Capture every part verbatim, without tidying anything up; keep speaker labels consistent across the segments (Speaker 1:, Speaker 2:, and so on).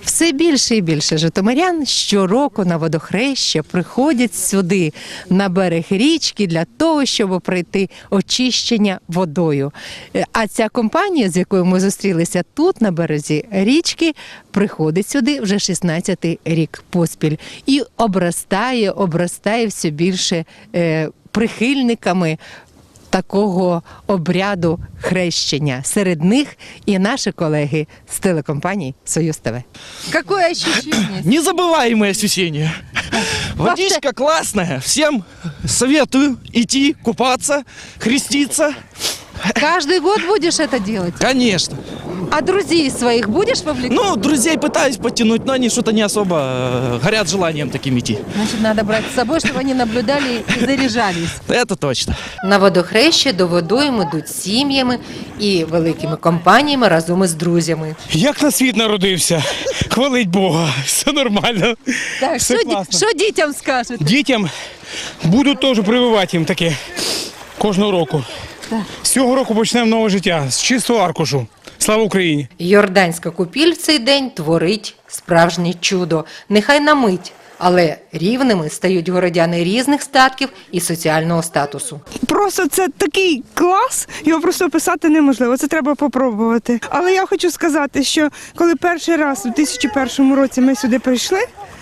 Speaker 1: Все більше і більше житомирян щороку на водохреща приходять сюди, на берег річки, для того, щоб пройти очищення водою. А ця компанія, з якою ми зустрілися тут, на березі річки, приходить сюди вже шістнадцятий рік поспіль і обростає, обростає все більше е, прихильниками такого обряду хрещення. Серед них і наші колеги з телекомпанії «Союз ТВ». Какое ощущение?
Speaker 2: Незабываемые ощущения. Водичка классная. Всем советую идти купаться, креститься.
Speaker 1: Каждый год будешь это делать?
Speaker 2: Конечно.
Speaker 1: А друзей своих будешь вовлекать?
Speaker 2: Ну, друзей пытаюсь подтянуть, но они что-то не особо э, горят желанием таким идти.
Speaker 1: Значит, надо брать с собой, чтобы они наблюдали и заряжались.
Speaker 2: Это точно.
Speaker 1: На водохреща до водойм ідуть сім'ями і великими компаніями разом із друзями.
Speaker 3: Як на світ народився, хвалить Бога, все нормально.
Speaker 1: Так,
Speaker 3: Все
Speaker 1: що, ді-
Speaker 3: класно.
Speaker 1: що дітям скажете?
Speaker 3: Дітям буду теж прививати їм таке кожного року. З цього року почнемо нове життя, з чистого аркушу. Слава Україні!
Speaker 1: Йорданська купіль в цей день творить справжнє чудо. Нехай на мить, але рівними стають городяни різних статків і соціального статусу.
Speaker 4: Просто це такий клас, його просто описати неможливо, це треба попробувати. Але я хочу сказати, що коли перший раз у дві тисячі першому році ми сюди прийшли,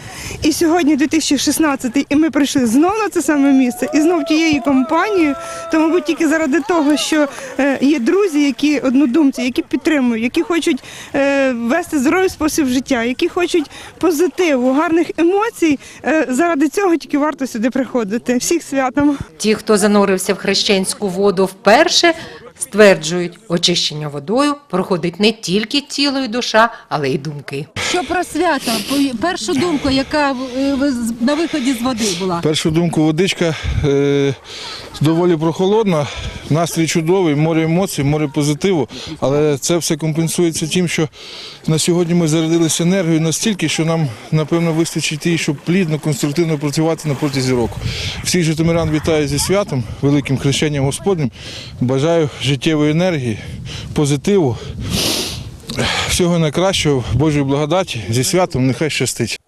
Speaker 4: і сьогодні дві тисячі шістнадцятий, і ми прийшли знов на це саме місце, і знов тією компанією, то, мабуть, тільки заради того, що е, є друзі, які однодумці, які підтримують, які хочуть е, вести здоровий спосіб життя, які хочуть позитиву, гарних емоцій, е, заради цього тільки варто сюди приходити. Всіх святом!
Speaker 1: Ті, хто занурився в хрещенську воду вперше, стверджують, очищення водою проходить не тільки тіло і душа, але й думки. Що про свято? Першу думку, яка на виході з води була?
Speaker 5: Першу думку, водичка е, доволі прохолодна, настрій чудовий, море емоцій, море позитиву, але це все компенсується тим, що на сьогодні ми зарядилися енергією настільки, що нам, напевно, вистачить її, щоб плідно, конструктивно працювати на протязі року. Всіх житомирян вітаю зі святом, великим хрещенням Господнім. Бажаю життєвої енергії, позитиву, всього найкращого, Божої благодаті, зі святом, нехай щастить.